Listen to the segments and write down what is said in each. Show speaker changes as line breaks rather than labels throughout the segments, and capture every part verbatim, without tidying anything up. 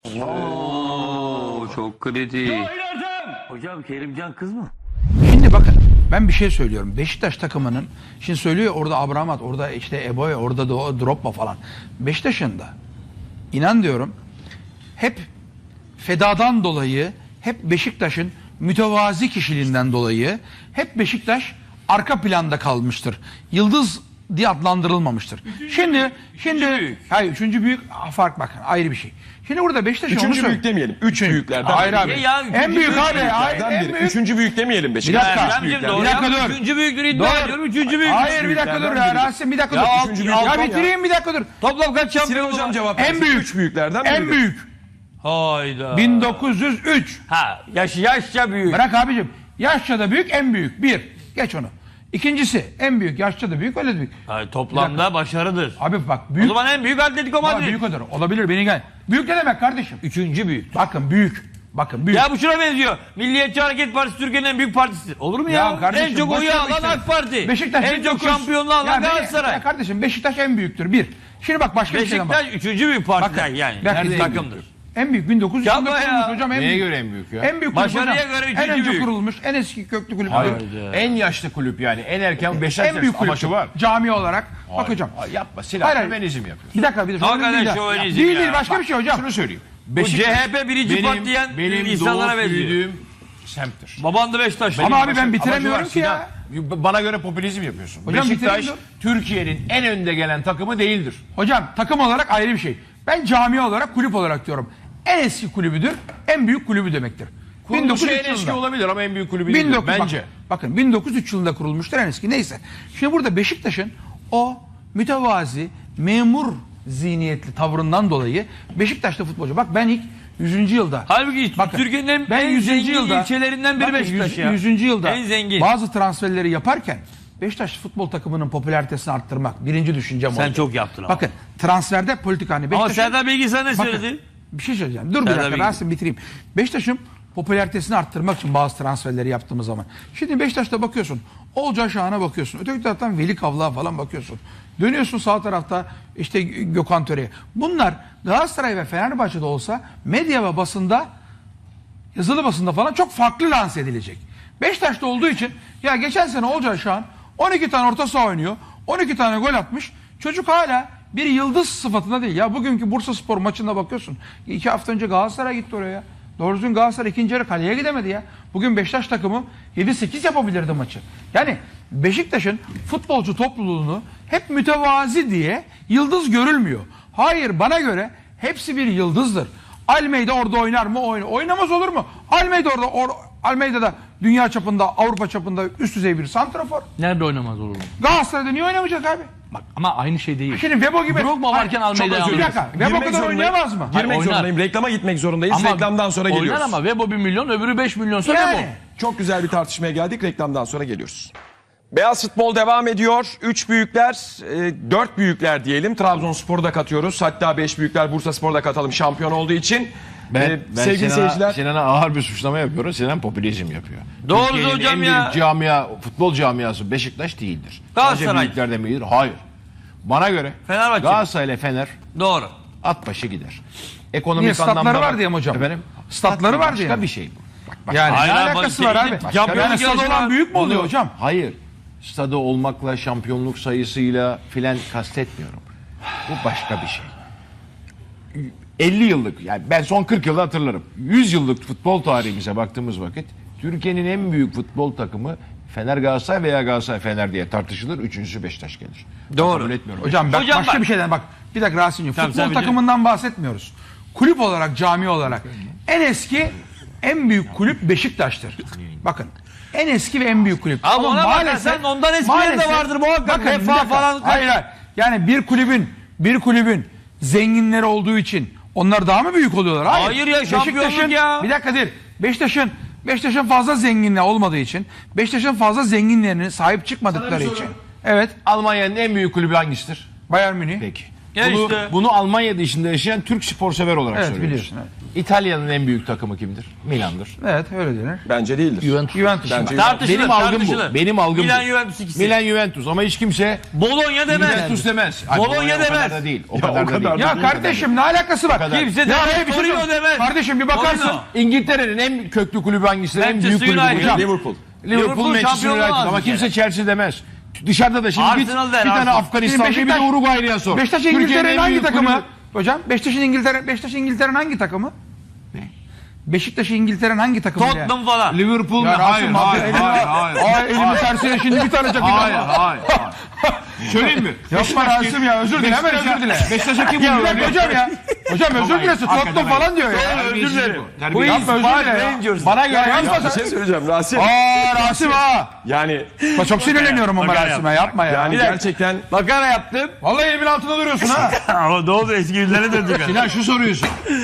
Oo, çok kritik. Hocam Kerimcan kız mı?
Şimdi bakın ben bir şey söylüyorum. Beşiktaş takımının şimdi söylüyor orada Abramat, orada işte Eboe, orada da o Drogba falan. Beşiktaş'ın da inan diyorum hep fedadan dolayı, hep Beşiktaş'ın mütevazi kişiliğinden dolayı hep Beşiktaş arka planda kalmıştır. Yıldız diye adlandırılmamıştır.
Üçüncü
şimdi
büyük,
şimdi
üçüncü büyük.
hayır üçüncü büyük fark bakın ayrı bir şey. Şimdi burada Beşiktaş'ın onu
Üçüncü
söyle-
büyük demeyelim. Üç büyüklerden.
Hayır
biri.
abi.
Ya, ya, üçüncü
en büyük
büyük
abi. Hayır,
Büyüklerden
en
biri.
büyük.
Üçüncü büyük demeyelim
Bir
Beşiktaş.
dakika.
Üç
Ertem'cim
büyüklerden.
doğru
Bir dakika
ya.
dur.
Üçüncü büyüktür iddia
Doğru.
ediyorum. Üçüncü büyük.
Hayır bir dakika dur ya
büyüklerden
Rasim bir dakika
Ya,
dur.
alt-
Üçüncü
Ya
büyük.
bitireyim bir dakika dur.
Toplam kaç
Sinan
şampiyon
Hocam
var?
cevap
En
versin.
büyük.
Üç büyüklerden
En
biri.
büyük.
Hayda.
bin dokuz yüz üç.
Ha, yaş, yaşça büyük.
Bırak abicim. Yaşça da büyük en büyük. Bir. Geç onu. İkincisi en büyük. Yaşça da büyük öyle de büyük.
Hayır,
Bir
toplamda
dakika.
başarıdır.
Abi bak
O
büyük.
zaman en büyük Atletico
Ama
Madrid.
büyük odur. Olabilir beni gel. Büyük ne demek kardeşim?
Üçüncü büyük.
Bakın büyük. Bakın büyük.
Ya bu şuna benziyor. Milliyetçi Hareket Partisi Türkiye'nin en büyük partisidir. Olur mu ya?
Ya kardeşim,
en çok
boş
oyu
ver
alan
işte.
AK Parti.
Beşiktaş
en
bin
çok
dokuz yüz
şampiyonluğu alan
Ya be-
Galatasaray.
Ya kardeşim Beşiktaş en büyüktür. Bir. Şimdi bak başka bir şeyden bak.
Beşiktaş üçüncü büyük parti
Bakın,
yani.
bir dakika,
Nerede
bak.
takımdır?
En büyük bin dokuz yüz
Yapma
yılında
ya.
kurulmuş hocam. En
Neye
büyük.
göre en büyük ya?
En büyük kulüp
Başarıya
hocam.
göre
En
üçüncü
önce
büyük.
kurulmuş, en eski köklü kulüp.
Hayır.
Hayda.
En yaşlı kulüp yani. En erken Beşiktaş
En büyük kulüp
amaçı var.
cami olarak. Bak hocam.
Ay, yapma.
Hayır,
Silah
hayır.
feminizm yapıyor.
Bir dakika bir dakika.
Hakikaten
Değil, ya.
şövenizm
değil,
ya.
değil başka bir şey hocam.
Şunu söyleyeyim.
Bu C H P birinci
benim,
parti diyen
benim
insanlara
doğup
benziyor.
büyüdüğüm semttir.
Baban da Beşiktaşlı.
Ama abi ben
Amacı
bitiremiyorum
var,
ki ya.
Sinan. Bana göre popülizm yapıyorsun.
Hocam
Beşiktaş
bitireyim
Türkiye'nin en önde gelen takımı değildir.
Hocam takım olarak ayrı bir şey. Ben cami olarak kulüp olarak diyorum. En eski kulübüdür, en büyük kulübü demektir.
Kuruluşu en
bin dokuz yüz üç
eski
yılında.
olabilir ama en büyük kulübü
bin
değildir
dokuz yüz
bence.
Bakın, bakın bin dokuz yüz üç yılında kurulmuştur en eski. Neyse. Şimdi burada Beşiktaş'ın o mütevazi, memur zihniyetli tavrından dolayı Beşiktaş'ta futbolcu. Bak ben ilk yüzüncü yılda.
Halbuki
Bakın,
Türkiye'nin en,
ben
en
yüzüncü
zengin
yılda-
ilçelerinden biri
bakın,
Beşiktaş
yüz-
ya.
yüzüncü yılda
En zengin.
bazı transferleri yaparken Beşiktaş futbol takımının popülaritesini arttırmak birinci düşüncem
Sen
oldu.
çok yaptın ama.
Bakın transferde politika hani
Ama
Beşiktaş'ın-
Serdar Bilgi sana ne
Bakın,
söyledi?
bir şey söyleyeceğim. Dur bir
Serdar
dakika
Bilgi.
Rasim bitireyim. Beşiktaş'ın popülaritesini arttırmak için bazı transferleri yaptığımız zaman. Şimdi Beşiktaş'ta bakıyorsun. Olcay Şahan'a bakıyorsun. Öteki taraftan Veli Kavlak'a falan bakıyorsun. Dönüyorsun sağ tarafta işte Gökhan Töre'ye. Bunlar Galatasaray ve Fenerbahçe'de olsa medya ve basında yazılı basında falan çok farklı lanse edilecek. Beşiktaş'ta olduğu için ya geçen sene Olcay Şahan on iki tane orta saha oynuyor. on iki tane gol atmış. Çocuk hala bir yıldız sıfatında değil. Ya bugünkü Bursaspor maçına bakıyorsun. İki hafta önce Galatasaray gitti oraya. Doğru düzgün Galatasaray ikinci yarı kaleye gidemedi ya. Bugün Beşiktaş takımı yedi sekiz yapabilirdi maçı. Yani Beşiktaş'ın futbolcu topluluğunu hep mütevazi diye yıldız görülmüyor. Hayır bana göre hepsi bir yıldızdır. Almeida orada oynar mı? Oynar. Oynamaz olur mu? Almeida orada or, Almeida'da dünya çapında, Avrupa çapında üst düzey bir santrafor.
Nerede oynamaz olur mu?
Galatasaray'da niye oynamayacak abi?
Bak ama aynı şey değil.
Şimdi Vebo gibi.
Drogba varken
Hayır,
Almeida'yı
çok özür- Bir dakika.
alıyorsun.
Vebo
Girmek
kadar
zorundayım.
oynayamaz mı?
Girmek
Oynar.
zorundayım. Reklama gitmek zorundayız. Reklamdan sonra
oynar
geliyoruz.
ama Vebo bir milyon öbürü beş milyonsa
Yani.
Vebo.
Çok güzel bir tartışmaya geldik. Reklamdan sonra geliyoruz. Beyaz futbol devam ediyor. Üç büyükler, e, dört büyükler diyelim. Trabzonspor'u da katıyoruz. Hatta beş büyükler Bursaspor'u da katalım şampiyon olduğu için.
Ben,
E,
ben
sevgili
Sinan'a,
seyirciler.
Sinan'a ağır bir suçlama yapıyorum. Sinan popülizm yapıyor.
Doğru
Türkiye'nin
hocam
en
ya.
büyük camia, futbol camiası Beşiktaş değildir.
Galatasaray.
Sadece büyüklerden biridir. Hayır. Bana göre
Fenerbahçe.
Galatasaray ile Fener
Doğru.
at başı gider. Ekonomik
Niye, statları
anlamda
var
bak-
diye mi hocam?
Efendim?
Statları
Stat
var
başka
diye mi?
bir şey bu. Bak, bak,
Yani
Hayır,
ne
abi,
alakası
bak,
var
işte,
abi?
şampiyonluk
Yani stadı
yarışı
olan
var.
büyük mü oluyor
Bunu-
hocam?
Hayır. Stadı olmakla, şampiyonluk sayısıyla filan kastetmiyorum. Bu başka bir şey. elli yıllık, yani ben son kırk yılı hatırlarım. yüz yıllık futbol tarihimize baktığımız vakit Türkiye'nin en büyük futbol takımı Fener Galatasaray veya Galatasaray Fener diye tartışılır. Üçüncüsü Beşiktaş gelir. Ben
Doğru.
kabul etmiyorum.
Hocam bak,
Hocam
başka
bak.
bir şeyden bak. Bir dakika Rasim'ciğim.
Tamam, sen
Futbol
biliyorum.
takımından bahsetmiyoruz. Kulüp olarak, cami olarak en eski, en büyük kulüp Beşiktaş'tır. Bakın. En eski ve en büyük kulüp.
Abi ona bakarsan ondan eskileri de vardır muhakkak.
Bakın,
Vefa
bir dakika.
falan-
Hayır hayır. Yani bir kulübün, bir kulübün zenginleri olduğu için onlar daha mı büyük oluyorlar? Hayır,
Hayır ya, şampiyonluk
Beşiktaş'ın-
ya.
Bir dakika değil. Beşiktaş'ın Beşiktaş'ın fazla zenginliği olmadığı için, Beşiktaş'ın fazla zenginlerine sahip çıkmadıkları için. Evet.
Almanya'nın en büyük kulübü hangisidir?
Bayern Münih.
Peki.
Ya
Bunu,
işte.
bunu Almanya dışında yaşayan Türk spor sever olarak
Evet
söylüyoruz.
biliyorsun. Evet,
İtalya'nın en büyük takımı kimdir? Milan'dır.
evet öyle denir.
Bence değildir.
Juventus.
Juventus.
Bence
Tartışılır,
Benim algım
tartışılır.
bu. Benim algım
Milan
bu.
Juventus ikisi.
Milan Juventus ama hiç kimse
Bologna demez.
Juventus demez. Ay,
Bologna
Bologna o kadar
demez.
da değil. O
Ya,
kadar
o
da
kadar
değil.
da
Ya kardeşim ne alakası var?
kadar.
Kimse
Ya
demez.
hayır, bir şey
Torino
söyleyeyim.
demez.
Kardeşim bir bakarsın.
Torino.
İngiltere'nin en köklü kulübü hangisi? En büyük
Manchester
kulübü
United.
hocam.
Liverpool.
Liverpool,
Liverpool
Manchester
şampiyonluğu
United
aldı
ama
bir
kimse
kere.
Chelsea demez. Dışarıda da şimdi git
Arsenal
bir
der,
tane
Arsenal.
Afganistanlı bir
Şimdi
de
Beşiktaş-
Uruguaylı'ya sor.
Beşiktaş
Türkiye'nin
İngiltere'nin
en
hangi
büyük
takımı?
kulübü-
Hocam Beşiktaş'ın İngiltere Beşiktaş İngiltere'nin hangi takımı? Beşiktaş İngiltere'nin hangi takımı? ya?
Tottenham falan.
Liverpool mu?
Ya
Hayır,
Rasim
hayır,
abi,
hayır,
elimi-
hayır.
Ay elimi tersine şimdi bir tane çakacağım.
Hayır, hayır, hayır. Söyleyeyim mi?
Yapma Rasim ya özür dile hemen özür dile.
Beşiktaş'a kim
Ya
vuruyor?
bırak hocam ya. Hocam özür
Hayır,
dilesin
hakikaten
Tottenham
hayır.
falan diyor ya.
Özür dilerim.
Bu yapma özür dile ya.
Rangers.
Bana göre yapma
Bir
sen.
şey söyleyeceğim Rasim.
Aa Rasim ha.
Yani
Bak çok sinirleniyorum ama
Makara
Rasim'e yapma ya.
yani gerçekten
Makara yaptım.
Vallahi elimin altında duruyorsun ha.
Ama ne oldu eski günlere döndük.
Sinan şu soruyorsun.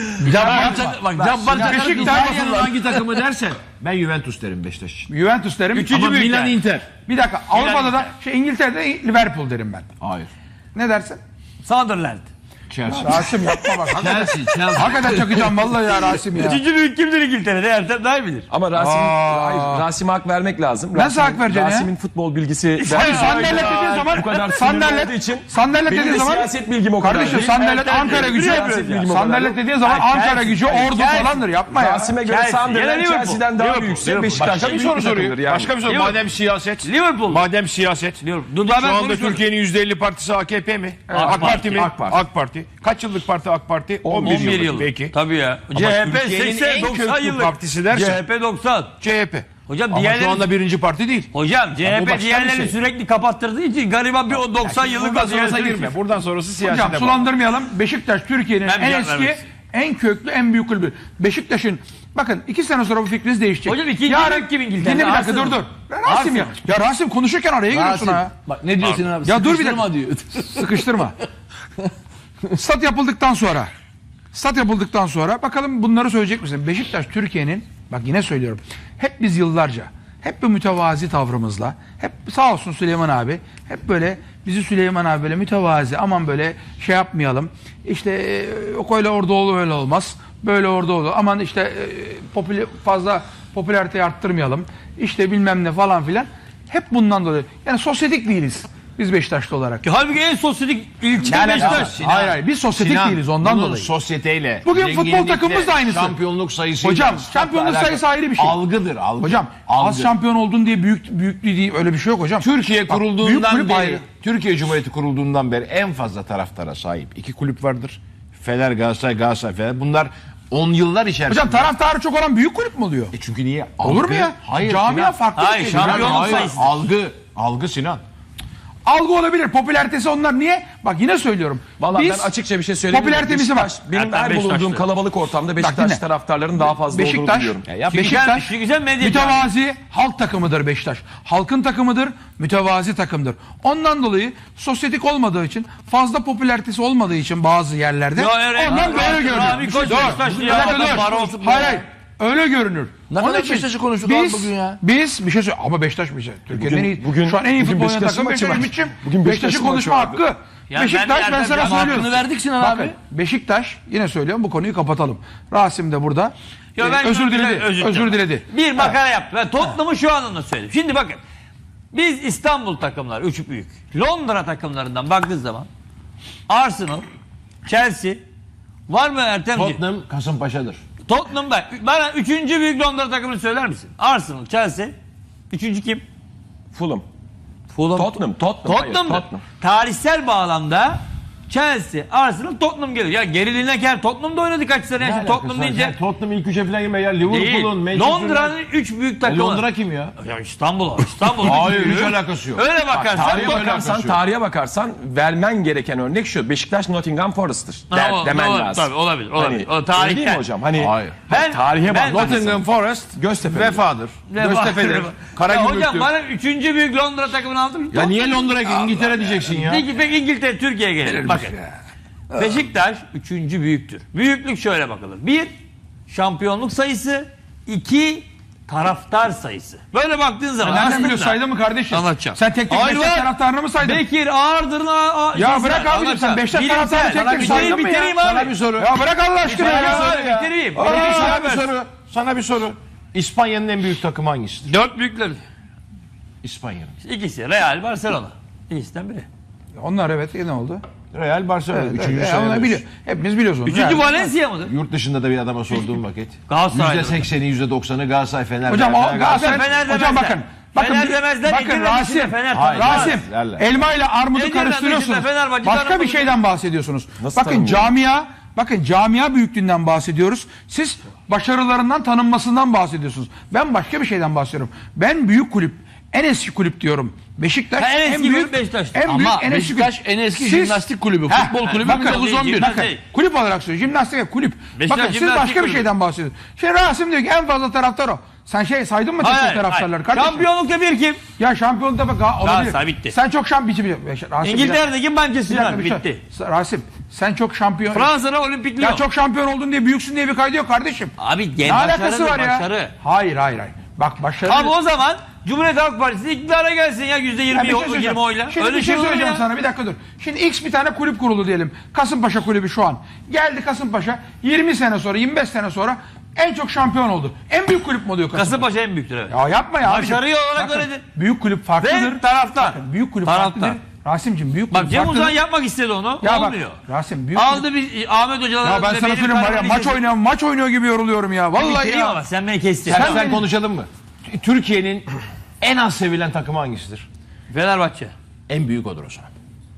Bak Cabbar Çakar
Beşiktaş-
İtalya'nın hangi takımı dersen ben Juventus derim Beşiktaş için.
Juventus derim.
Üçüncü
Ama
büyük
Milan
yer.
Inter.
Bir dakika Avrupa'da da şey İngiltere'de Liverpool derim ben.
Hayır.
Ne dersin?
Sunderland.
Chelsea.
Rasim yapma bak. Hakikaten,
Chelsea, Chelsea.
hakikaten çakacağım vallahi ya Rasim ya.
Üçüncü büyük kimdir İngiltere'de? Ertem daha iyi bilir.
ama Rasim
Aa.
hayır, Rasim'e hak vermek lazım.
Nasıl
Rasim'in-
hak vereceksin ya?
Rasim'in futbol bilgisi
Hayır
ben-
sandalet dediğin zaman
bu kadar sinirli
sandalet
olduğu için
sandalet
benim
dediğin
de
zaman
siyaset bilgim o kadar
kardeşim
değil.
sandalet
Ertem
Ankara
değil.
gücü
Siyaset
bilgim o kadar
sandalet
değil.
dediğin zaman
Hayır,
Ankara gücü
Chelsea,
ordu
Chelsea.
falandır yapma ya.
Rasim'e göre
Chelsea,
Sunderland
yine Liverpool.
Chelsea'den daha
Liverpool,
büyükse
Liverpool.
Beşiktaş
Başka bir soru soruyor.
yani.
Başka bir soru.
Liverpool.
Madem siyaset.
Liverpool.
Madem siyaset.
Liverpool. Dur,
Şu
daha ben
anda
konuşmadım.
Türkiye'nin yüzde elli partisi A K P mi?
AK
AK,
Parti,
Parti mi?
AK Parti.
AK Parti. Kaç yıllık parti AK Parti? on bir,
on bir
yıllık.
yıl.
Peki.
Tabii ya.
Ama
C H P
Türkiye'nin
seksen
en
doksan
köklü
yıllık.
partisi dersen-
C H P doksan.
C H P.
Hocam
Ama
diğerleri
şu anda birinci parti değil.
Hocam
bu
C H P
başka bir
diğerlerini
şey.
sürekli kapattırdığı için gariban bir o doksan yıllık
Buradan sonrasına
vaziyete
girme. Buradan sonrası siyasete
Hocam
bak.
sulandırmayalım. Beşiktaş Türkiye'nin
Ben bir
en
cevap
eski,
vermek
en köklü, en büyük kulübü. Beşiktaş'ın bakın iki sene sonra bu fikriniz değişecek.
Hocam ikinci büyük kim İngiltere'de?
Dinle bir dakika
Arsenal.
dur dur. Rasim ya. Ya Rasim konuşurken araya giriyorsun ha.
Bak ne diyor Sinan abi?
Ya dur bir dakika.
Sıkıştırma diyor.
Sıkıştırma. Stat yapıldıktan sonra stat yapıldıktan sonra bakalım bunları söyleyecek misin? Beşiktaş Türkiye'nin bak yine söylüyorum. Hep biz yıllarca hep bu mütevazi tavrımızla hep sağ olsun Süleyman abi hep böyle bizi Süleyman abi böyle mütevazi aman böyle şey yapmayalım. İşte e, yok öyle orada olur öyle olmaz. Böyle orada olur. Aman işte e, popüler, fazla popülariteyi arttırmayalım. İşte bilmem ne falan filan. Hep bundan dolayı. Yani sosyetik değiliz. Biz Beşiktaşlı olarak.
Halbuki en sosyetik ilçe
Yani
Beşiktaş.
hayır hayır biz sosyetik
Sinan,
değiliz ondan
bunun
dolayı.
sosyeteyle,
Bugün futbol
zenginlikle,
takımımız da aynısı.
Şampiyonluk sayısıyla.
Hocam,
statla
şampiyonluk
alakalı.
sayısı ayrı bir şey.
Algıdır, algı.
Hocam
algı.
az şampiyon oldun diye büyük büyüklüğü değil öyle bir şey yok hocam.
Türkiye
Bak, büyük
kurulduğundan
kulüp
beri,
ayrı.
Türkiye Cumhuriyeti kurulduğundan beri en fazla taraftara sahip iki kulüp vardır. Fener, Galatasaray, Galatasaray, Fener. Bunlar on yıllar içerisinde.
Hocam taraftarı çok olan büyük kulüp mü oluyor?
E çünkü niye?
Olur
Algı-
mu ya?
Hayır.
Camia
Sinan.
farklı
Hayır,
bir şey.
şampiyonluk
Hayır.
sayısı.
Algı, algı Sinan.
Algı olabilir. Popülaritesi onlar niye? Bak yine söylüyorum.
Vallahi
Biz
ben açıkça bir şey söyleyeyim.
popülaritemizi var.
Benim
Ertem
her bulunduğum
Beşiktaşlı.
kalabalık ortamda Beşiktaş
dinle.
taraftarlarının daha fazla olduğunu
Beşiktaş,
biliyorum.
Ya
Beşiktaş
Çünkü güzel medya
mütevazi halk takımıdır Beşiktaş. Halkın takımıdır, mütevazi takımdır. Ondan dolayı sosyetik olmadığı için, fazla popülaritesi olmadığı için bazı yerlerde
Ya, evet,
ondan
evet,
böyle
evet,
görünür.
abi, koç
Dur,
Beşiktaşlı
bir
ya,
dakika,
adam
dur.
var olsun
Hayır
ya.
hayır. Öyle görünür.
Ne
Onun
kadar
için
Beşiktaş'ı konuştuk abi
biz,
bugün ya.
Biz bir şey söyle ama Beşiktaş bir şey. Türkiye'nin en iyi,
bugün-
şu an en iyi
bugün
futbol oynayan
Beşiktaş'ın
takım
maçı
Beşiktaş.
var.
Mitçim.
Bugün
Beşiktaş'ın
Beşiktaş'ın
konuşma
maçı vardı.
hakkı.
Ya
Beşiktaş
ben-
ben
ben-
sana
ben-
söylüyorum.
hakkını verdik Sinan
Bakın,
abi.
Beşiktaş yine söylüyorum bu konuyu kapatalım. Rasim de burada.
Ya
Ee,
ben
özür
şunu-
diledi.
özür
Özür
dilerim.
diledi.
Bir makara yaptı. Ben Tottenham'ı şu anlamda söyledim. Şimdi bakın. Biz İstanbul takımlar, üç büyük. Londra takımlarından baktığınız zaman Arsenal, Chelsea, var mı Ertemci?
Tottenham Kasımpaşa'dır.
Tottenham'da. Bana üçüncü büyük Londra takımını söyler misin? Arsenal, Chelsea. Üçüncü kim?
Fulham.
Fulham.
Tottenham, Tottenham. hayır,
Tottenham'dır.
Tottenham.
Tarihsel bağlamda Chelsea, Arsenal, Tottenham geliyor. Ya geriliğine gel. Tottenham'da oynadı kaç sene. Şimdi Tottenham deyince
Tottenham ilk üçe falan girme ya.
değil.
Liverpool'un, Manchester
Londra'nın üç büyük
E,
takımı.
Londra kim ya?
Ya İstanbul, İstanbul.
Hayır,
büyüğü.
hiç alakası yok.
Öyle bakarsan
Tarihe
Tottenham.
bakarsan,
alakası yok.
tarihe bakarsan vermen gereken örnek şu. Beşiktaş Nottingham Forest'tır.
Ha,
Der,
o-
demen
doğru,
lazım.
tabii, olabilir, olabilir.
Hani,
O tarihten.
öyle değil mi hocam? Hani
Hayır.
Ben-
tarihe
ben-
bak.
Nottingham Forest,
Göztepe.
Vefa'dır. Göztepe'dir.
Ya
Karagümrüktür.
hocam bana üçüncü büyük Londra takımını aldın mı?
Ya niye Londra İngiltere diyeceksin ya?
Peki, peki İngiltere, Türkiye'ye gelelim. Bakın. Beşiktaş üçüncü büyüktür. Büyüklük şöyle bakılır. Bir, şampiyonluk sayısı. İki, taraftar sayısı. Böyle baktığın zaman
Nereden
aslında-
biliyorsun, saydın mı kardeşim?
Anlatacağım.
Sen tek tek
Hayır,
Beşiktaş
var.
taraftarını mı saydın?
Bekir Ağırdır'ın a- a-
Ya
şeysi
bırak
var.
abicim, sen
Anlatacağım.
Beşiktaş
Bilimsel.
taraftarını tek tek
Bitireyim,
saydın mı ya?
bitireyim
Sana
abi.
bir soru.
Ya bırak Allah aşkına
Sana bir
ya.
soru bitireyim.
Aa,
Bitireyim,
Sana bir
ver.
soru. Sana bir soru. İspanya'nın en büyük takımı hangisidir?
Dört büyükler.
İspanya'nın.
İkisi Real, Barcelona. İkisinden biri.
Onlar evet ne oldu?
Real Barcelona.
Evet,
Üçüncü
evet,
sırada.
onlar biliyor. Hepimiz biliyoruz onu.
Üçüncü
Yani-
Valencia mıdır?
Yurt dışında da bir adama sorduğum vakit.
Galatasaray'da.
yüzde sekseni, yüzde doksanı Galatasaray, Fener.
Hocam o
Galatasaray.
Galatasaray,
Fener
hocam
demezler.
bakın. Bakın,
Fener demezler,
bakın
İngilizce
Rasim,
Fener
Hayır,
tanımaz.
Rasim,
derler.
elma ile armudu
Ne derler,
karıştırıyorsunuz.
Beşiktaş, Fenerbahçe
Başka bir
tanımaz.
şeyden bahsediyorsunuz.
Nasıl
Bakın
tanımıyor?
camia, bakın camia büyüklüğünden bahsediyoruz. Siz başarılarından, tanınmasından bahsediyorsunuz. Ben başka bir şeyden bahsediyorum. Ben büyük kulüp, en eski kulüp diyorum. Beşiktaş
Ha, en eski
büyük
kulüp Beşiktaş'tır.
En büyük,
Ama
en eski
Beşiktaş
kulüp.
en eski
Siz-
jimnastik kulübü,
Heh,
futbol kulübü
bakın,
bin dokuz yüz on bir.
Bakın,
Şey.
kulüp olarak söylüyorum. Jimnastik ve kulüp.
Beşiktaş
Bakın siz
jimnastik
başka bir
kulübü.
şeyden bahsediyorsunuz. Şimdi Rasim diyor ki en fazla taraftar o. Sen şey saydın mı tek tek
Hayır,
taraftarları
hayır.
kardeşim?
Şampiyonlukta bir kim?
Ya şampiyonlukta bak olabilir.
Galatasaray bitti.
Sen çok şampiyon bitti. Rasim, bir dakika,
İngiltere'deki Manchester
bir dakika, bir
United
şey-
bitti.
Rasim sen çok şampiyon.
Fransa'da Olimpik
Ya
Lyon.
çok şampiyon oldun diye büyüksün diye bir kaydı yok kardeşim.
Abi
Ne
gen
alakası
başarıdır,
var ya?
başarı.
Hayır hayır hayır. Bak başarı.
Abi o zaman Cumhuriyet Halk Partisi iktidara gelsin ya yüzde
Ya
yirmi,
bir şey söyleyeceğim.
yirmi oyla.
Şimdi
Öyle
bir şey
olur
söyleyeceğim
ya.
sana, bir dakika dur. Şimdi X bir tane kulüp kurulu diyelim. Kasımpaşa kulübü şu an. Geldi Kasımpaşa yirmi sene sonra, yirmi beş sene sonra en çok şampiyon oldu. En büyük kulüp mü oluyor Kasımpaşa?
Kasımpaşa en büyüktür evet.
Ya yapma ya.
Başarı
abicim.
olarak
Bakın,
öyledir.
Büyük kulüp farklıdır.
Ve taraftar.
Bakın, büyük kulüp
Taraftar.
farklıdır. Rasim'cim büyük
Bak
kulüp
Cem
farklıdır.
Uzan yapmak istedi onu.
Ya bak,
olmuyor.
Rasim büyük
Aldı bir Ahmet Hoca'dan.
Ya ben sana söyleyeyim var ya, maç oynuyor maç oynuyor gibi yoruluyorum ya. Vallahi
Bitireyim
ya.
ama sen beni kestin.
Sen,
Sen
sen
beni-
konuşalım mı? Türkiye'nin en az sevilen takımı hangisidir?
Fenerbahçe.
En büyük odur o zaman.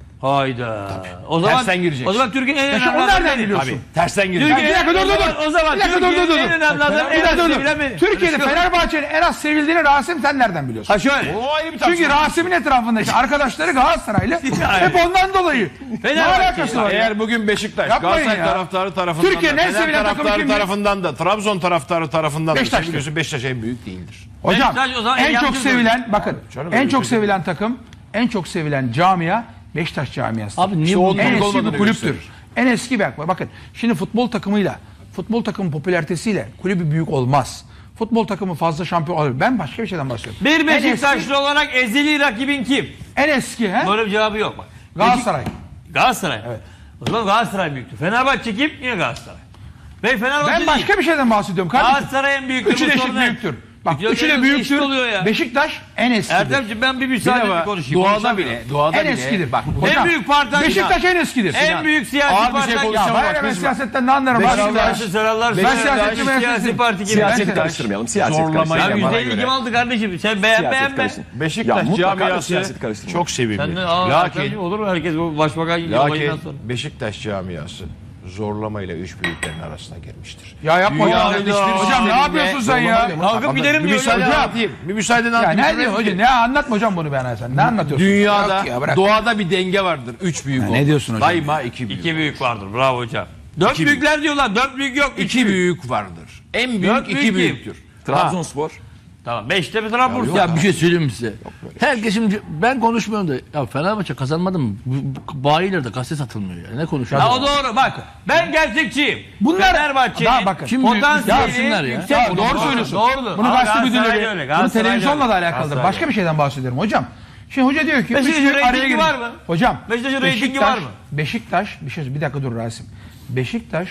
Hayda. O zaman
Tersten gireceksin.
O zaman Türkiye'nin en
Ya
önemli
şimdi o
adamı
nereden
benim.
biliyorsun?
Abi tersten gireceksin.
Ya bir dakika dur dur dur.
O zaman
Bir dakika dur dur dur.
Türkiye'nin en önemli adamı
Bir dakika dur
sevilen
dur.
benim.
Türkiye'de Fenerbahçe'nin en az sevildiğini Rasim sen nereden biliyorsun?
Ha şöyle.
O ayrı bir
Çünkü
tartışma.
Rasim'in etrafındaki arkadaşları Galatasaraylı. Hep ondan dolayı. Ne
Fenerbahçe.
alakası var ya?
Eğer bugün Beşiktaş,
Yapmayın
Galatasaray
ya.
taraftarı tarafından
Türkiye'nin
da,
en
Fener
sevilen takımı
taraftarı
kimdir?
tarafından da, Trabzon taraftarı tarafından da
Beşiktaş'tır.
biliyorsun Beşiktaş en büyük değildir.
Hocam
Beşiktaş o zaman
en çok
yancı
sevilen bakın
canım,
en
öyle
çok
bir şey
sevilen takım, en çok sevilen camia Beşiktaş camiası.
Abi niye
İşte
bu
onun
en
olup
eski
olmadığını
bir kulüptür.
gösterir.
En eski bir bakın. Şimdi futbol takımıyla, futbol takımın popülaritesiyle kulübü büyük olmaz. Futbol takımı fazla şampiyon olabilir. Ben başka bir şeyden bahsediyorum.
Bir
En
Beşiktaşlı
eski,
olarak ezeli rakibin kim?
en eski he?
Böyle bir cevabı yok bak.
Galatasaray.
Beşik- Galatasaray.
Evet.
O zaman Galatasaray büyüktür. Fenerbahçe kim? Yine Galatasaray. Ve Fenerbahçe
Ben
değil.
başka bir şeyden bahsediyorum kardeşim.
Galatasaray en büyüktür.
Üçü
bu
de eşit
sorun ne?
büyüktür. Bak
Yok,
üçü de
eşit
büyüktür.
oluyor ya.
Beşiktaş en eskidir.
Erdemciğim ben bir müsaade
Bir
bir
defa
konuşayım.
doğada
Konuşamıyorum.
bile, doğada
en
bile.
eskidir. Bak,
En
hocam,
büyük parti
Beşiktaş en eskidir.
En büyük siyasi
Ağır bir
parti.
şey
Ya
konuşacağım
bana
bak,
ne, ben
kızma.
siyasetten ne anlarım.
Beşiktaş-
Beşiktaş-
Beşiktaş'ı sorarlar.
Beşiktaş-
sorarlar.
Beşiktaş-
Siyasi parti gibi.
Siyaseti
Beşiktaş-
karıştırmayalım. Siyaset
Zorlamayla
karıştırmayalım.
Ya
bana
yüzde elli
göre.
kim aldı kardeşim? Sen beğen
Siyaset
beğenme.
karıştır.
Beşiktaş
Ya mutlaka
camiası
siyaseti karıştırma.
çok sevimli.
Sen de aa,
Lakin,
Lakin, olur mu herkes bu başbakan gibi olayından
lakin
sonra?
Beşiktaş camiası zorlamayla üç büyüklerin arasına girmiştir.
Ya yapma
Dünyanın
hocam.
hiçbir
Hocam ne
sisteminde
yapıyorsun sen ya?
Kalkıp giderim
Bir
diyor.
müsaade
ya.
anlatayım. Bir müsaade
Ya
anlatayım.
ne diyorsun hocam? Ne anlatma hocam bunu bana sen. Ne anlatıyorsun?
Dünyada,
Yok ya, bırak.
doğada bir denge vardır. Üç büyük
Ya
olur.
ne diyorsun hocam?
Daima iki büyük.
İki büyük vardır. Bravo hocam. Dört
İki
büyükler diyorlar. Dört büyük yok. Üç
İki büyük vardır. En büyük
Dört
iki
büyük
büyüktür.
Trabzonspor.
Tamam. Beşte bir Trabzon.
Ya bir şey söyleyeyim mi size? Herkes şimdi ben konuşmuyorum da ya Fenerbahçe kazanmadı mı? Bu- bu- Bayilerde gazete satılmıyor ya. Ne konuşuyor?
Ha, o doğru. Bak ben gerçekçiyim.
Bunlar-
Fenerbahçe'nin
Daha bakın.
Kim büyük?
potansiyeli
Yapsınlar ya.
yüksek.
Ya doğru söylüyorsun.
Doğrudur.
Bunu
Ama
gazete
Galatasaray
müdürleri,
öyle,
bunu
Galatasaray
televizyonla
öyle.
da alakalıdır.
Galatasaray
Başka bir şeyden bahsediyorum hocam. Şimdi hoca diyor ki
Beşiktaş'ın
üç büyük araya
reytingi
girecek.
var mı?
Hocam
Beşiktaş'ın reytingi var mı?
Beşiktaş bir şey bir dakika dur Rasim. Beşiktaş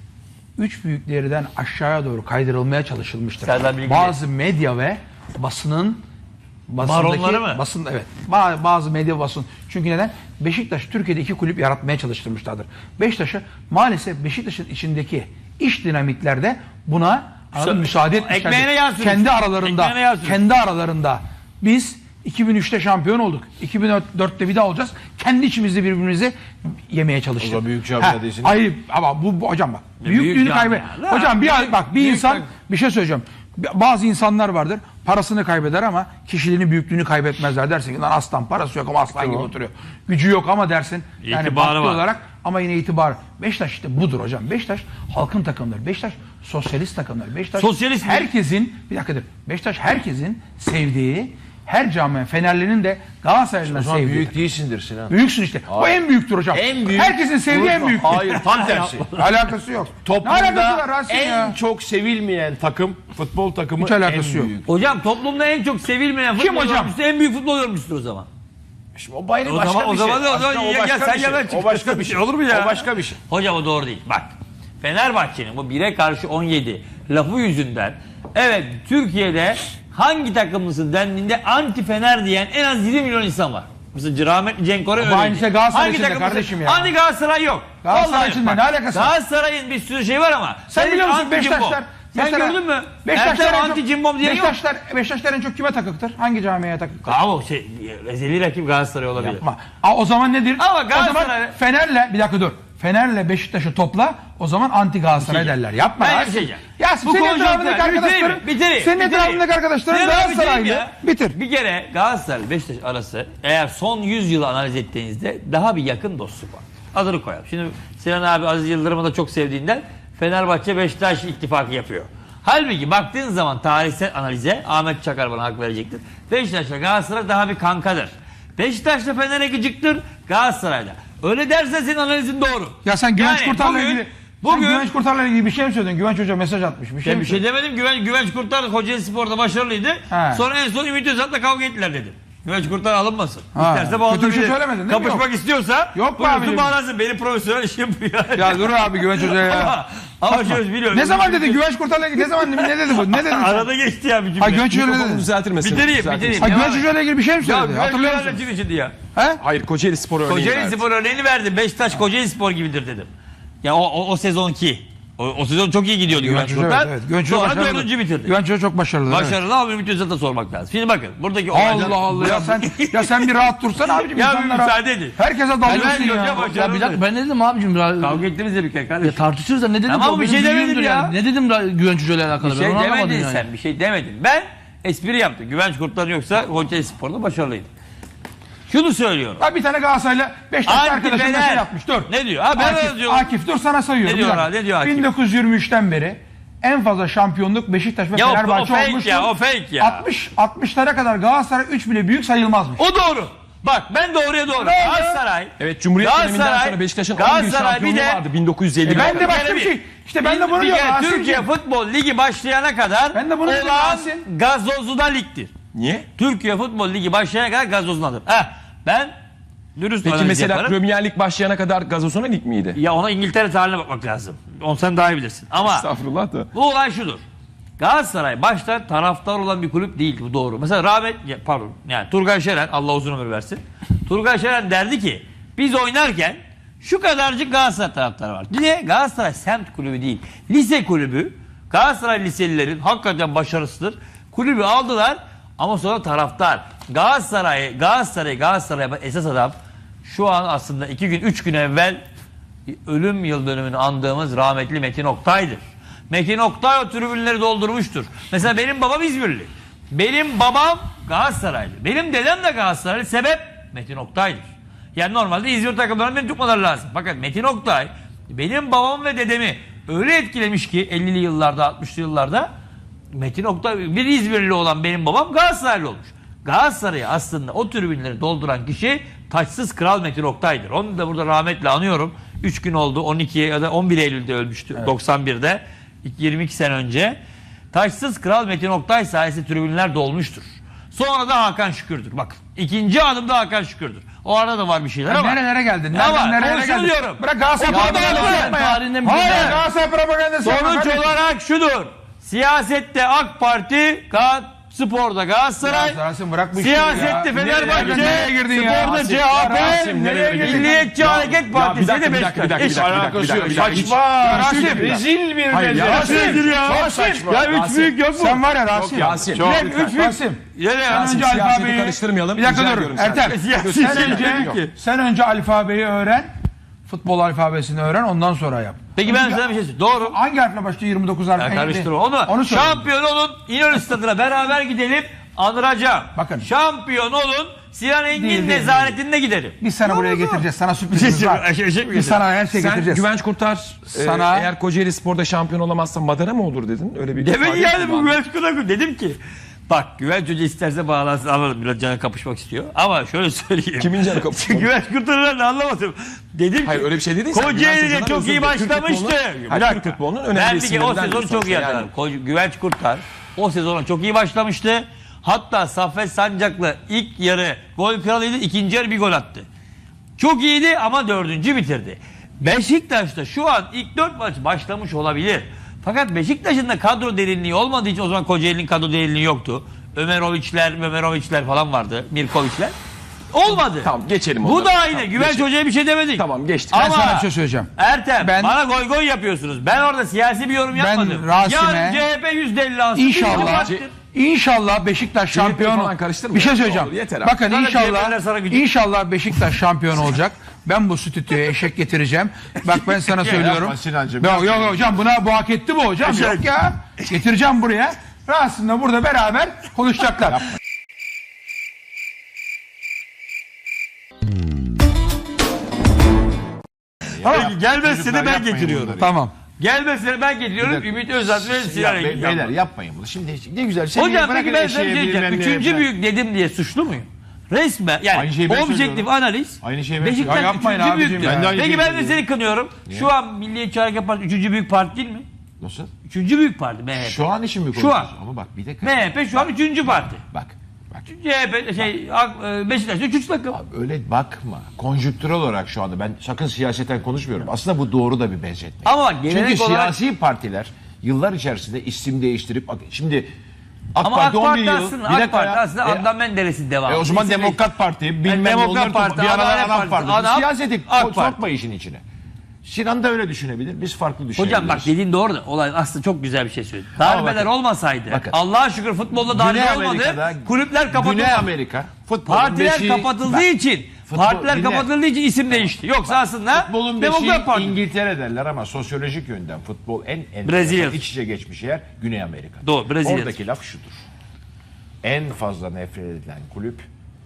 üç büyüklerden aşağıya doğru kaydırılmaya çalışılmıştır.
Serdar Bilgili.
Bazı medya ve basının basındaki,
Baronları mı?
Basın, evet. Ba- Bazı medya basın. Çünkü neden? Beşiktaş Türkiye'de iki kulüp yaratmaya çalıştırmışlardır. Beşiktaş'a maalesef Beşiktaş'ın içindeki iş dinamiklerde buna anladın mı? müsaade etmişlerdir.
ekmeğine yağ sürmüş.
Kendi aralarında
Ekmeğine yağ sürmüş.
kendi aralarında biz iki bin üçte şampiyon olduk. iki bin dörtte bir daha olacağız. Kendi içimizde birbirimizi yemeye çalıştık.
O zaman büyük camia
Ha,
değilsin.
Hayır ama bu, bu hocam bak.
büyük
Büyüklüğünü
camia.
kaybet.
La,
Hocam bir
büyük-
bak bir
büyük
insan
bak-
bir şey söyleyeceğim. Bazı insanlar vardır. Parasını kaybeder ama kişiliğini, büyüklüğünü kaybetmezler. Dersin ki lan aslan parası yok ama aslan gibi oturuyor. Gücü yok ama dersin. Yani
İtibarı
baktığı
var.
olarak ama yine itibar. Beşiktaş işte budur hocam. Beşiktaş halkın takımları. Beşiktaş sosyalist takımları. Beşiktaş
Sosyalist mi?
herkesin bir dakika dur. Beşiktaş herkesin sevdiği, Her camia Fenerli'nin de Galatasaray'ın da
O zaman
sevdiği.
büyük değilsindir Sinan.
Büyüksün işte. O en büyüktür hocam.
En büyük-
Herkesin sevdiği en büyük.
Hayır, tam tersi.
Alakası yok. Ne alakası var
Toplumda
Rasim
en
ya?
çok sevilmeyen takım, futbol takımı
Hiç alakası
en
yok.
büyük.
Hocam toplumda en çok sevilmeyen
Kim
futbol
hocam?
yorumcusu en büyük futbol yorumcusudur o zaman.
Şimdi o bayrağı
O
başka
zaman- o
bir şey.
zaman da- o zaman
Aslında
ya- ya
başka
sen
bir
ya
şey.
ben
O başka bir şey.
Olur mu ya?
O başka bir şey.
Hocam o doğru değil. Bak Fenerbahçe'nin bu bire karşı on yedi lafı yüzünden evet Türkiye'de hangi takımlısın dendiğinde anti Fener diyen en az yirmi milyon insan var. Mesela rahmetli Cenk Koray öyle.
aynısı Galatasaray için de kardeşim ya.
Anti Galatasaray yok.
Galatasaray
Vallahi
için de
bak,
ne alakası var?
Galatasaray'ın bir sürü şey var ama.
Sen
senin
biliyor musun
anti cimbom.
Beşiktaşlar?
Sen
mesela-
gördün mü?
Beşiktaşlar
Ertem
en çok-
anti cimbom diye yok.
Beşiktaşlar, Beşiktaşlar en çok kime takıktır? Hangi camiye takıktır?
Bravo şey ezeli rakip Galatasaray olabilir.
Ama Aa, o zaman nedir?
Ama
o
Galatasaray-
zaman Fener'le bir dakika dur. Fener'le Beşiktaş'ı topla. O zaman anti Galatasaray derler. Yapma.
Ben
ya.
bir şey diyeceğim.
Ya
Bu
senin
konjonktür-
etrafındaki
bitireyim mi?
arkadaşların
Bitireyim,
senin
bitireyim.
etrafındaki arkadaşların
Bitireyim
Galatasaraylı.
ya.
Bitir.
Bir kere Galatasaray Beşiktaş arası eğer son yüz yılı analiz ettiğinizde daha bir yakın dostluk var. Adını koyalım. Şimdi Sinan abi Aziz Yıldırım'ı da çok sevdiğinden Fenerbahçe Beşiktaş ittifakı yapıyor. Halbuki baktığın zaman tarihsel analize Ahmet Çakar bana hak verecektir. Beşiktaş'la Galatasaray daha bir kankadır. Beşiktaş'la Fener'e gıcıktır, Galatasaray'la. Öyle dersen senin analizin doğru.
Ya sen Güvenç
Yani
Kurtar'la
bugün-
ilgili
bugün-
sen Güvenç Kurtar'la ilgili bir şey mi söyledin? Güvenç Hoca mesaj atmış. Bir şey
Ben
mi
bir şey
söyledin?
demedim. Güven, Güvenç Kurtar Kocaeli Spor'da başarılıydı.
He.
Sonra en son Ümit Özat'la kavga ettiler dedim. Güvenç Kurtar alınmasın.
Ha.
İsterse
Kötü
bağlanabilir.
bir şey söylemedin değil mi?
Kapışmak
Yok.
istiyorsa
Yok be
buyursun
abicim.
bağlansın. Benim profesyonel işim bu yani.
Ya dur abi Güvenç Hoca'ya ya.
Ama, ama şöyle biliyorum.
Ne zaman dedi Güvenç Kurtar'la ilgili? Ne zaman ne dedi bu? Ne dedi? sen?
Arada geçti ya bir cümle.
Ha Güvenç Hoca'yla ne
Mikrofonu
dedi?
düzeltir misin?
Bitireyim
Düzeltir
bitireyim.
Ha
Devam
Güvenç
et.
Hoca'yla ilgili bir şey mi
Ya
söyledi?
Güvenç
Hatırlıyor
Hoca'yla
musun?
kim içindi ya?
He?
Hayır, Kocaeli Spor örneği
Kocaeli
verdi.
Spor örneğini verdim. Beşiktaş Kocaeli Spor gibidir dedim. Ya o, o, o sezonki. O, o sezon çok iyi gidiyordu Güvenç
Güvenç Hoca
Kurtar.
evet, evet. Güvenç Hoca
Sonra
başarılı.
dördüncü bitirdi.
Güvenç Hoca çok başarılı. evet.
Başarılı ama Ümit Özat'a sormak lazım. Şimdi bakın buradaki olaylar...
Allah Allah ya sen ya sen bir rahat dursana abicim.
Ya bir
insanlara-
müsaade edin.
Herkese dalıyorsun
Ben
ya.
hocam hocam.
Ya bir dakika ben ne dedim abicim? Ya,
Kavga ettiniz de bir kere
ya
kardeşim.
tartışırız da ne dedim?
Tamam,
O
bir
benim
şey demedim
büyüğümdür
ya.
yani. Ne dedim ra- Güvenç Hoca ile alakalı?
Bir
Ben
şey
onu anlamadım
demedin
yani.
sen. Bir şey demedin. Ben espri yaptım. Güvenç Kurtlar yoksa Kocaeli Spor'da başarılıydı. Şunu söylüyorum.
Ha bir tane Galatasaray'la Beşiktaş
Anti
arkadaşım
Fener.
mesaj yapmış. Dur.
Ne diyor? Ha, ben
Akif,
yazıyorum.
Akif dur sana sayıyorum.
Ne diyor
Bir dakika.
ha, ne diyor Akif?
bin dokuz yüz yirmi üçten beri en fazla şampiyonluk Beşiktaş ve
Ya o- o
Fenerbahçe
fake
olmuştur.
ya, o fake ya.
altmış altmışlara kadar Galatasaray üç bile büyük sayılmazmış.
O doğru. Bak ben doğruya doğru.
Ne?
Galatasaray.
Evet, Cumhuriyet döneminden
Galatasaray-
sonra Beşiktaş'ın on bir
Galatasaray bir
şampiyonluğu
de-
vardı bin dokuz yüz elli.
E
Ben de başka
kere
bir
bir.
şey. İşte ben de bunu
Bir
diyorum.
kere
Rasim'ciğim.
Türkiye Futbol Ligi başlayana kadar
Ben de bunu dedim
olağan
Rasim.
gazozuna ligdir.
Niye?
Türkiye Futbol Ligi başlayana kadar gazozunadır. Heh, ben dürüst
Peki
analiz
mesela
yaparım.
Premier Lig başlayana kadar Gazozona Lig miydi?
Ya ona İngiltere tarihine bakmak lazım. Onu sen daha iyi bilirsin. Ama
Estağfurullah da.
bu olay şudur. Galatasaray başta taraftar olan bir kulüp değil, bu doğru. Mesela rahmet ya, pardon yani Turgay Şeren Allah uzun ömür versin. Turgay Şeren derdi ki biz oynarken şu kadarcık Galatasaray taraftarı var. Niye? Galatasaray semt kulübü değil. Lise kulübü. Galatasaray liselilerin hakikaten başarısıdır. Kulübü aldılar ama sonra taraftar. Galatasaray, Galatasaray, Galatasaray esas adam şu an aslında iki gün, üç gün evvel ölüm yıl dönümünü andığımız rahmetli Metin Oktay'dır. Metin Oktay o tribünleri doldurmuştur. Mesela benim babam İzmirli. Benim babam Galatasaraylı. Benim dedem de Galatasaraylı. Sebep Metin Oktay'dır. Yani normalde İzmir takımlarının beni tutmaları lazım. Fakat Metin Oktay benim babam ve dedemi öyle etkilemiş ki ellili yıllarda, altmışlı yıllarda Metin Oktay bir İzmirli olan benim babam Galatasaraylı olmuş. Galatasaray'ı aslında o tribünleri dolduran kişi taçsız kral Metin Oktay'dır. Onu da burada rahmetle anıyorum. üç gün oldu. on iki ya da on bir Eylül'de ölmüştü. Evet. doksan birde. yirmi iki sene önce. Taçsız kral Metin Oktay sayesinde tribünler dolmuştur. Sonra da Hakan Şükür'dür. Bak ikinci adımda Hakan Şükür'dür. O arada da var bir şeyler
Ya
ama.
nerelere geldin?
Ne
Nereden
var?
nerelere
Onu
geldin?
söylüyorum.
Bırak Galatasaray
O kadar
propagandası
var.
yapma ya.
Tarihinden bir
Hayır
güzel.
Galatasaray propagandası yapma
Sonuç
kardeşim.
olarak şudur. Siyasette AK Parti, Ga- sporda Galatasaray,
Ya Rasim bırak bu işleri ya.
siyasette
Nereye
Fenerbahçe,
girdin ya?
sporda
Rasim,
C
ya
H P,
Rasim, nereye girdin?
Milliyetçi Hareket Partisi
dakika,
de
bir dakika, bir dakika,
Beşiktaş.
bir dakika, bir dakika, bir dakika, bir dakika.
Saçma. Rasim.
Rezil bir
Hayır ya.
Rasim.
Ya
Rasim.
Ya üç
Rasim.
büyük yok mu?
Sen var ya Rasim.
Yasin.
Bir dakika, üç büyük. Rasim.
Yine
Sen
Rasim,
önce
siyaseti
alfabeyi...
karıştırmayalım.
Bir dakika
Rica
dur
ediyorum
Ertem.
senden.
Sen
Siyasi-
önce,
Yok.
sen önce alfabeyi öğren. Futbol alfabesini öğren ondan sonra yap.
Peki ben sana bir şey söyleyeyim. Doğru.
Hangi harfle başlıyor yirmi dokuz harf?
Ya karıştırma. Onu,
Onu söyle.
şampiyon olun. İnönü Stadı'na beraber gidelim. Anıracağım.
Bakın.
Şampiyon olun. Sinan Engin
Değil, değil,
nezaretinde gidelim.
Biz sana buraya getireceğiz. Sana sürprizimiz var.
Şey- şey mi
Biz
getireceğiz?
sana her şey
Sen
getireceğiz.
Güvenç Kurtar e,
Sana-
eğer Kocaeli Spor'da şampiyon olamazsa Madara mı olur dedin? Öyle bir
Demek
ifade
yani bu
kullandın.
Güvenç Kurtar dedim ki Bak Güvenç Hoca isterse bağlansın, anladım, biraz canı kapışmak istiyor. Ama şöyle söyleyeyim.
Kimin canı kapışmak?
Güvenç kurtarırlar da anlamadım. Dedim
Hayır
ki
öyle bir şey dedin. Sen
Kocaeli'de
Güvenç Hoca'dan
çok iyi
özür dile. Türk
başlamıştı.
futbolunun-
Bir
Hayır,
dakika.
Türk futbolunun
Ben
önemli
bir kere o
isimlerinden
sezonu
bir
çok iyi
sonuçta
hatırlarım.
yani.
Ko- Güvenç Kurtar o sezonu çok iyi başlamıştı. Hatta Saffet Sancak'la ilk yarı gol kralıydı. İkinci yarı bir gol attı. Çok iyiydi ama dördüncü bitirdi. Beşiktaş'ta şu an ilk dört maç başlamış olabilir. Fakat Beşiktaş'ın da kadro derinliği olmadığı için, o zaman Kocaeli'nin kadro derinliği yoktu. Ömeroviçler, Ömeroviçler falan vardı. Mirkoviçler. Olmadı.
Tamam geçelim
Bu
onları.
da aynı.
Tamam,
Güvenç
geçelim.
Hoca'ya bir şey demedik.
Tamam geçtik.
Ben
Ama-
sana bir şey söyleyeceğim.
Ertem
Ben-
bana goy goy yapıyorsunuz. Ben orada siyasi bir yorum
Ben
yapmadım.
Rasim'e-
Yarın C H P yüzde elli alsın.
İnşallah,
Bir
İnşallah Beşiktaş
C H P'yi
şampiyon.
falan karıştırma
Bir şey
ya.
söyleyeceğim.
Olur, yeter abi.
Bakın
Sana C H P'ler sana
inşallah,
gücü-
inşallah Beşiktaş şampiyon olacak. Ben bu stüdyoya eşek getireceğim. Bak ben sana söylüyorum.
yapma Sinancığım,
Yok
yapma.
yok hocam, buna bu hak etti bu hocam. Yok ya. Getireceğim buraya. Rasim'le burada beraber konuşacaklar.
Peki gelmezse de
Çocuklar
ben
yapmayın
getiriyorum.
bunları.
Tamam.
Gelmezse de ben getiriyorum.
dakika.
Ümit Özat ve Sinan
Ya, be-
Engin.
beyler yapmayın bunu. Şimdi ne güzel. Seni
Hocam
bırakın
peki ben sana bir
eşeğe
şey diyeceğim.
bilmem neye
Üçüncü
falan.
büyük dedim diye suçlu muyum? Resmen yani
Aynı şeyi ben
objektif
söylüyorum.
analiz.
Aynı şeyi ben
Beşiktaş
söylüyorum.
Ya yapmayın
üçüncü
abicim
büyüktür.
ya.
Ben de aynı
Peki
şeyi
ben de
söylüyorum.
seni kınıyorum. Şu an Milliyetçi Hareket Partisi üçüncü büyük parti değil mi?
Nasıl?
Üçüncü büyük parti M H P.
Şu an için mi
Şu
konuşuyoruz?
an.
Ama bak bir dakika.
M H P şu an üçüncü parti.
Bak. Bak.
C H P şey Ak- e, Beşiktaş üçüncü takım.
Öyle bakma. Konjüktürel olarak şu anda ben sakın siyaseten konuşmuyorum. Aslında bu doğru da bir benzetme.
Ama bak gelenek
Çünkü
olarak
siyasi partiler yıllar içerisinde isim değiştirip şimdi AK
ama
Parti
AK
on bir
Parti
yıl
aslında,
bir
AK
dakika
Parti
ya.
aslında
E,
Adnan Menderes'in devamı.
E o zaman
İsim
Demokrat Parti bilmem
Yani
ne
Demokrat
onları
Parti,
bir aralar
Adalet
Adam
Partisi,
Parti.
Adam-
Siyaseti
AK
ko-
Parti.
sokma işin içine. Sinan da öyle düşünebilir. Biz farklı düşünebiliriz.
Hocam bak dediğin doğru da olay aslında çok güzel bir şey söyledin. Darbeler
bakın,
olmasaydı
bakın.
Allah'a şükür futbolda darbe
Güney
olmadı.
Amerika'da-
Kulüpler kapatıldı.
Güney Amerika futbolun
Partiler
beşiği-
kapatıldığı
Bak,
için
futbol-
partiler
dinle.
kapatıldığı için isim değişti. Yoksa aslında
Futbolun beşiği
Demokrat Parti.
İngiltere derler ama sosyolojik yönden futbol en en
Brezilya.
iç içe geçmiş yer Güney Amerika.
Doğru, Brezilya.
Oradaki laf şudur. En fazla nefret edilen kulüp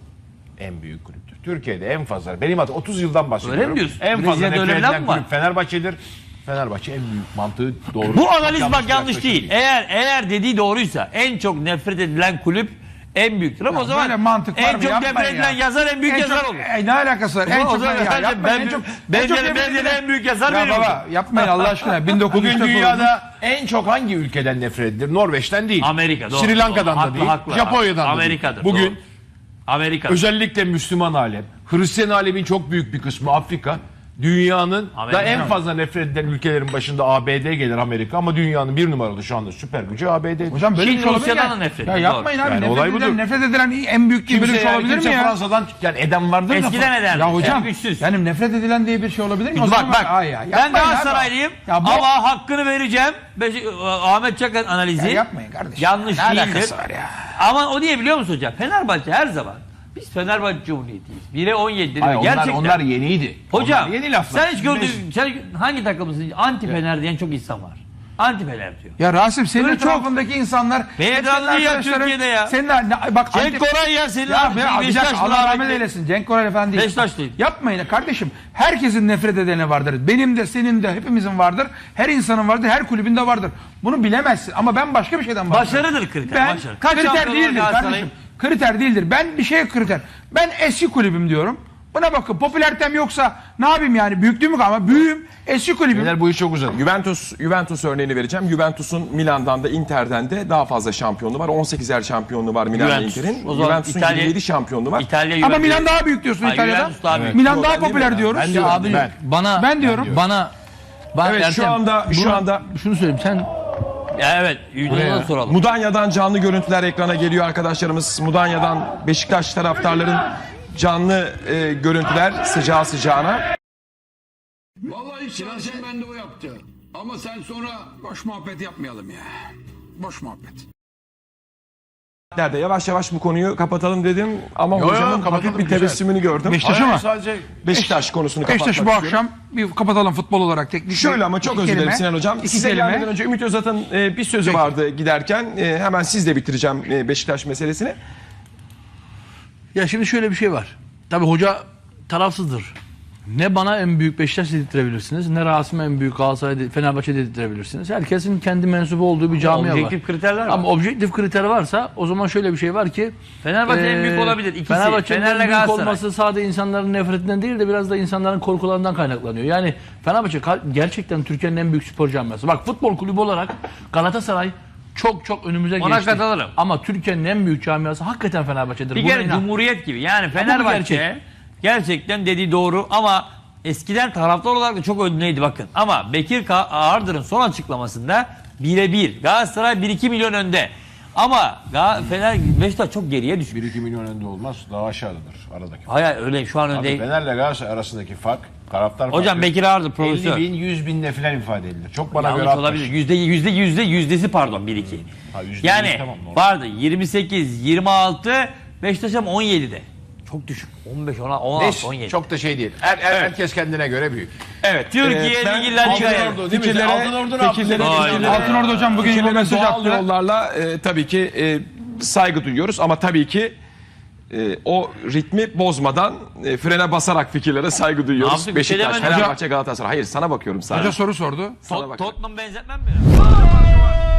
en büyük kulüptür. Türkiye'de en fazla benim adım otuz yıldan bahsediyorum.
Öyle mi diyorsun?
En fazla
Brezilya'da
nefret
öyle bir laf
edilen
mı var?
kulüp Fenerbahçe'dir. Fenerbahçe en büyük mantığı doğru.
Bu analiz bak
yanlış bir
yanlış
yaklaşım
değil. Eğer eğer dediği doğruysa en çok nefret edilen kulüp en büyüktür. Ama
Ya
o zaman
böyle mantık var
en
mı?
çok
Yapmayın
nefret edilen
ya.
yazar en büyük
En
yazar
çok-
olur.
E, ne alakası var? En
O
çok
zaman
ya,
bence
yapmayın,
ben-
en çok
ben-
en çok
ben-
nefret
ben-
edilen-
en büyük yazar
Ya
benim
baba yapmayın Allah aşkına. bin dokuz yüz
Bugün dünyada en çok hangi ülkeden nefret edilir? Norveç'ten değil.
Amerika, doğru,
Sri Lanka'dan
doğru.
da
Haklı,
değil.
haklı.
Japonya'dan da
Amerika'dır,
değil. Bugün
doğru. Amerika.
özellikle Müslüman alem, Hristiyan alemin çok büyük bir kısmı Afrika, dünyanın
Amerika.
da en fazla nefret edilen ülkelerin başında A B D gelir Amerika ama dünyanın bir numaralı şu anda süper gücü A B D'dir.
Hocam böyle
Çin,
bir şey olabilir
Rusya'dan
ya.
da nefret
Ya
ediyor,
yapmayın
doğru.
abi.
Yani
nefret,
olay
edilen,
budur.
nefret edilen en büyük diye böyle bir şey
yani
olabilir mi
kimse
ya?
Fransa'dan yani eden vardır da.
Eskiden ederdi.
Ya hocam
En güçsüz.
yani nefret edilen diye bir şey olabilir mi? O
Bak
zaman
bak.
Aa ya,
Ben
yapmayın abi.
Galatasaraylıyım
Ya bu-
ama hakkını vereceğim. Beşik- Ahmet Çakar analizi
Ya yapmayın kardeşim.
yanlış
Ne
değildir.
alakası var ya?
Ama o niye biliyor musun hocam? Fenerbahçe her zaman biz Fenerbahçe Cumhuriyeti'yiz. bire on yedi
Hayır, onlar,
gerçekten.
onlar yeniydi.
Hocam
Onlar yeni laflar.
sen hiç gördün,
Biz-
sen hangi takımısın? Anti Fener diyen çok insan var. Anti Fener diyor.
Ya Rasim senin
Öyle çok-
etrafındaki insanlar...
Beyazlı
hep senin
ya
arkadaşların-
Türkiye'de ya.
Senin, ne- bak,
Cenk
anti-
Koray ya senin
Ya
abi,
be, abi, bir dakika,
Beşiktaşlı
Allah rahmet
rahmetli.
eylesin. Cenk Koray efendi değil.
Beşiktaşlıydı.
Yapmayın kardeşim. Herkesin nefret edeni vardır. Benim de, senin de, hepimizin vardır. Her insanın vardır. Her kulübünde vardır. Bunu bilemezsin. Ama ben başka bir şeyden bahsediyorum.
Başarıdır kriter.
Ben
başarı. Kaç
kriter
şampiyon
değildir
var Galatasaray'ın?
kardeşim. Kriter değildir. Ben bir şeye kriter. Ben eski kulübüm diyorum. Buna bakın. Popülaritem yoksa ne yapayım yani? Büyüklüğümü ama büyüğüm. Eski kulübüm.
Beyler bu iş çok uzadı.
Juventus Juventus örneğini vereceğim. Juventus'un Milan'dan da Inter'den de daha fazla şampiyonluğu var. on sekizer şampiyonluğu var Milan'la
Juventus.
Inter'in.
O zaman
Juventus'un
İtalya-
yirmi yedi şampiyonluğu var.
İtalya
Ama
Juventus.
Milan daha büyük diyorsun
Ay,
İtalya'da.
Juventus daha büyük.
Milan
Yok,
daha
ben değil
popüler
mi?
diyoruz.
Ben diyorum.
Abi
Ben.
bana
Ben diyorum.
bana ben
Evet, şu
Ertem,
anda- şu
buna-
anda-
şunu söyleyeyim sen
Ya evet, Yunan'a soralım.
Mudanya'dan canlı görüntüler ekrana geliyor arkadaşlarımız. Mudanya'dan Beşiktaş taraftarların canlı e, görüntüler sıcağı sıcağına.
Vallahi istersen ben de o yaptı. Ama sen sonra boş muhabbet yapmayalım ya. Boş muhabbet.
Nerede yavaş yavaş bu konuyu kapatalım dedim ama
Yo, yo,
hocamın
kapatalım,
hafif bir
güzel.
tebessümünü gördüm.
Beşiktaş
Hayır,
ama.
sadece
Beşiktaş konusunu kapatmak
Beşiktaş'ı bu
istiyorum.
akşam bir kapatalım futbol olarak teknik.
Şöyle ama çok
İki
özür dilerim
kelime,
Sinan Hocam.
İki
Size
kelime.
gelmeden önce Ümit Özat'ın e, bir sözü
Peki.
vardı giderken. E, hemen sizle bitireceğim e, Beşiktaş meselesini.
ya şimdi şöyle bir şey var. Tabii hoca tarafsızdır. Ne bana en büyük Beşiktaş dedirtebilirsiniz, ne Rasim'e en büyük Galatasaray, Fenerbahçe dedirtebilirsiniz. Herkesin kendi mensubu olduğu bir camia var.
Objektif kriterler var.
Ama objektif kriter varsa o zaman şöyle bir şey var ki
Fenerbahçe en büyük
eee,
olabilir. İkisi.
Fenerbahçe'nin
Fener'le
en büyük
Galatasaray.
olması sadece insanların nefretinden değil de biraz da insanların korkularından kaynaklanıyor. Yani Fenerbahçe ka- gerçekten Türkiye'nin en büyük spor camiası. Bak futbol kulübü olarak Galatasaray çok çok önümüze
Ona
geçti.
katılırım.
Ama Türkiye'nin en büyük camiası hakikaten Fenerbahçe'dir.
Bir
Buna
kere
inan.
Cumhuriyet gibi. Yani Fenerbahçe
gerçek.
gerçekten dediği doğru ama eskiden taraftar olarak da çok önündeydi bakın. Ama Bekir Ka- Ağırdır'ın son açıklamasında bire bir. Galatasaray bir iki milyon önde. Ama Ga- Fener Beşiktaş çok geriye düşmüş.
bir iki milyon önde olmaz. Daha aşağıdadır aradaki.
Hayır öyle şu an
Abi
önde.
Fener'le Galatasaray arasındaki fark, taraftar
Hocam
farkı
Bekir Ağırdır
elli
profesör.
bin, yüz binle falan ifade edilir. Çok bana
Yanlış
göre atmış.
olabilir. Yüzde yüzde yüzde yüzdesi pardon bir iki.
Ha, yüzde
Yani
yüz, tamam, normal.
vardı yirmi sekiz yirmi altı Beşiktaş'ım on yedide. Çok düşük. on beş on altı
Neyse,
on yedi.
çok da şey değil. Her, her- Herkes kendine göre büyük.
Evet.
Türkiye
e, ben
Ligi La Liga'ya.
Altın Ordu değil mi?
fikirlere,
Altın Ordu ne yaptı?
fikirlere,
Vay
fikirlere-
be.
Altınordu hocam bugün
fikirlere
bir mesaj
doğal
attı.
yollarla e, tabii ki e, saygı duyuyoruz ama tabii ki e, o ritmi bozmadan e, frene basarak fikirlere saygı
Ne
duyuyoruz.
yaptık? Bir şey
Beşiktaş,
demedim.
Fenerbahçe, Galatasaray. Hayır sana bakıyorum sadece.
Hoca soru sordu.
Sana
Tot-
bakıyorum.
Tottenham benzetmem mi?